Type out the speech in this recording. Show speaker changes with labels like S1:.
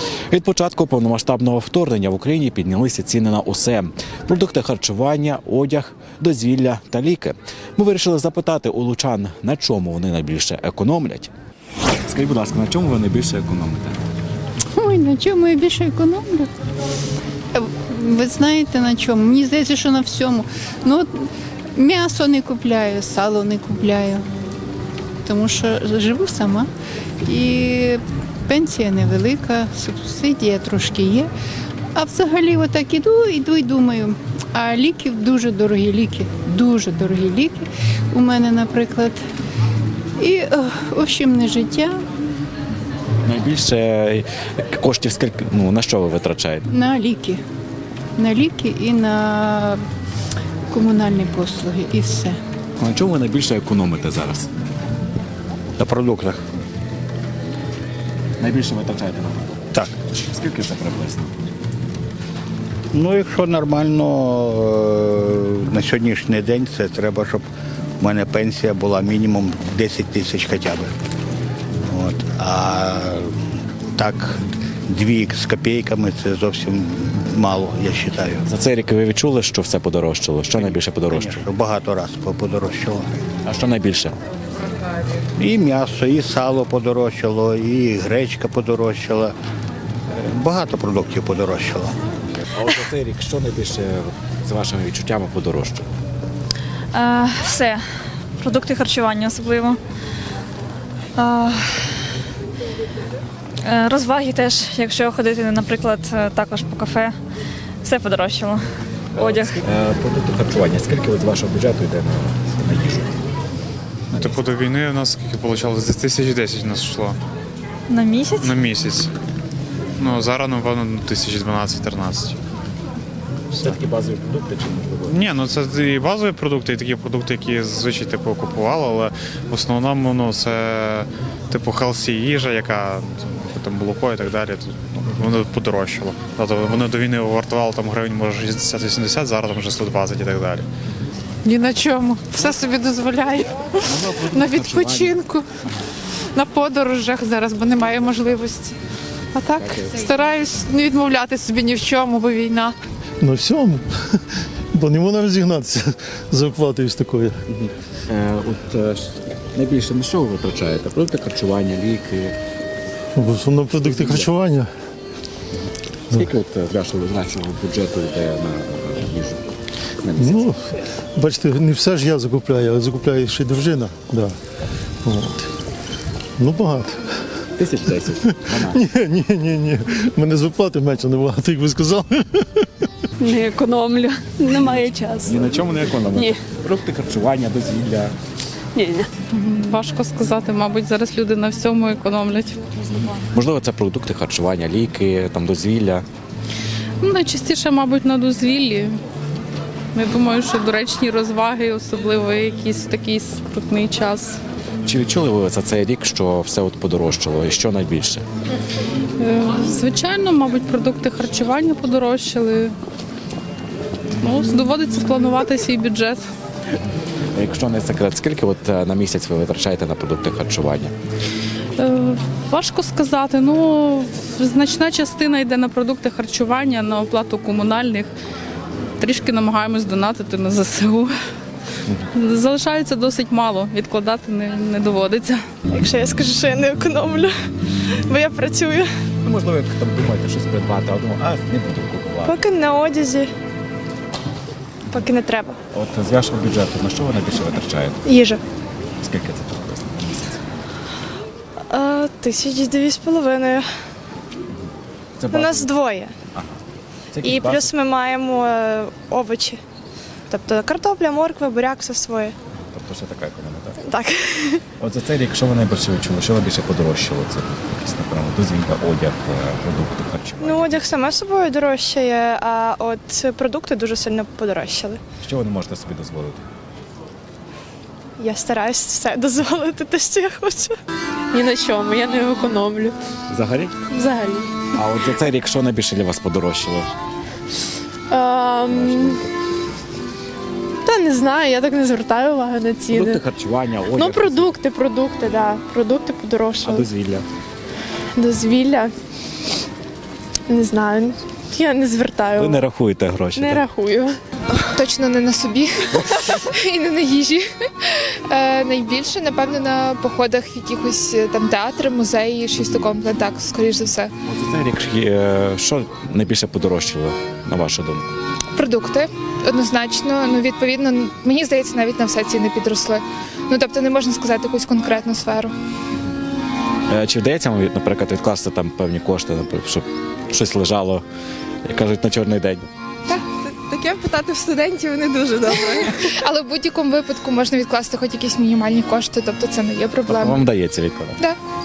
S1: Від початку повномасштабного вторгнення в Україні піднялися ціни на усе – продукти харчування, одяг, дозвілля та ліки. Ми вирішили запитати у лучан, на чому вони найбільше економлять. Скажіть, будь ласка, на чому ви найбільше економите?
S2: Ой, на чому я більше економлю? Ви знаєте на чому? Мені здається, що на всьому. Ну, от м'ясо не купляю, сало не купляю, тому що живу сама. І пенсія невелика, субсидія трошки є. А взагалі отак іду і думаю, а ліків дуже дорогі ліки у мене, наприклад. І, в общем, не життя.
S1: Найбільше коштів скільки, на що ви витрачаєте?
S2: На ліки. На ліки і на комунальні послуги, і все.
S1: На чому ви найбільше економите зараз?
S3: На продуктах.
S1: Найбільше витрачаєте на продукти?
S3: Так.
S1: Скільки це приблизно?
S3: Ну, якщо нормально, на сьогоднішній день це треба, щоб в мене пенсія була мінімум 10 тисяч хоча б. От. А так, 2 з копійками це зовсім мало, я вважаю.
S1: За цей рік ви відчули, що все подорожчало? Що найбільше подорожчало?
S3: Звісно, багато разів подорожчало.
S1: А що найбільше?
S3: І м'ясо, і сало подорожчало, і гречка подорожчала. Багато продуктів подорожчало.
S1: А от за цей рік що найбільше, за вашими відчуттями, подорожчало?
S4: Все. Продукти харчування особливо. Розваги теж, якщо ходити, наприклад, також по кафе, все подорожчало. Одяг.
S1: Продукти харчування. Скільки от з вашого бюджету йде на їжу?
S5: Типу до війни у нас скільки вийшло? Десь 1010 у нас йшло
S4: На місяць?
S5: на місяць. Ну, зараз, напевно, 1012-13.
S1: Це такі базові продукти чи можливо?
S5: Ні, ну це і базові продукти, і такі продукти, які зазвичай типу, купували, але в основному ну, це типу healthy їжа, яка там молоко і так далі. Воно подорожчало. Тобто вони до війни вартували там гривень, може 60-80, зараз там вже 120 і так далі.
S6: Ні на чому. Все собі дозволяю. На відпочинку, на подорожах зараз, бо немає можливості. А так стараюсь не відмовляти собі ні в чому, бо війна.
S7: На всьому, бо не можна розігнатися за оплатою з такою.
S1: Найбільше на що ви витрачаєте? Продукти харчування, ліки?
S7: В основному продукти харчування.
S1: Скільки от з вашого бюджету йде на їжу? На місяць?
S7: Ну, бачите, не все ж я закупляю, але закупляє ще й дружина. Да. От. Ну, багато.
S1: 1010.
S7: Ні. У мене з оплати менше набагато, як ви сказали.
S8: Не економлю, немає часу.
S1: Ні на чому не економите?
S8: Ні.
S1: Продукти харчування, дозвілля.
S8: Ні.
S6: Важко сказати, мабуть, зараз люди на всьому економлять.
S1: Можливо, це продукти харчування, ліки, там дозвілля.
S6: Ну, найчастіше, мабуть, на дозвіллі. Я думаю, що доречні розваги, особливо якийсь такий скрутний час.
S1: Чи відчули ви за цей рік, що все от подорожчало? І що найбільше?
S6: Звичайно, мабуть, продукти харчування подорожчали. Ну, доводиться планувати свій бюджет.
S1: Якщо не секрет, скільки от на місяць ви витрачаєте на продукти харчування?
S6: Важко сказати. Ну, значна частина йде на продукти харчування, на оплату комунальних. Трішки намагаємось донатити на ЗСУ. Залишається досить мало, відкладати не доводиться.
S4: Якщо я скажу, що я не економлю, бо я працюю.
S1: Ну, можливо, як там думаєте щось придбати, а думаю, не буду купувати.
S4: Поки на одязі, поки не треба.
S1: От з вашого бюджету, на що ви найбільше витрачаєте?
S4: Їжа.
S1: Скільки це приблизно на місяць?
S4: 1200.
S1: Це
S4: У нас двоє.
S1: Це
S4: І
S1: якісь
S4: плюс ми маємо овочі. Тобто картопля, морква, буряк, все своє.
S1: Тобто ще така економія, так?
S4: Так.
S1: От за цей рік, що ви найбільше відчули? Що найбільше подорожчало? Це якісь, напевно, дозвілля, одяг, продукти харчування.
S4: Ну, одяг саме собою дорожчає, а от продукти дуже сильно подорожчали.
S1: Що ви не можете собі дозволити?
S4: Я стараюсь все дозволити те, що я хочу.
S8: Ні на чому, я не економлю.
S1: Взагалі?
S8: Взагалі.
S1: А от за цей рік що найбільше для вас подорожчало?
S8: Та не знаю, я так не звертаю уваги на ціни.
S1: Продукти харчування, одяг.
S8: Ну, продукти, да. Продукти
S1: А
S8: подорожчали.
S1: дозвілля?
S8: Дозвілля. Не знаю. Я не звертаю.
S1: Ви не рахуєте гроші.
S8: Не
S1: так?
S8: рахую.
S9: Точно не на собі і не на їжі. Найбільше, напевно, на походах в якихось там театри, музеї, щось такому, так, скоріш за все.
S1: От за цей рік що найбільше подорожчало, на вашу думку?
S9: Продукти однозначно. Ну, відповідно, мені здається, навіть на все ціни підросли. Ну, тобто не можна сказати якусь конкретну сферу.
S1: Чи вдається вам, наприклад, відкласти там певні кошти, наприклад, щоб щось лежало, як кажуть, на чорний день?
S10: Таке питати в студентів не дуже добре.
S9: Але в будь-якому випадку можна відкласти хоч якісь мінімальні кошти, тобто це не є проблема.
S1: Вам вдається відкладати?
S9: Так.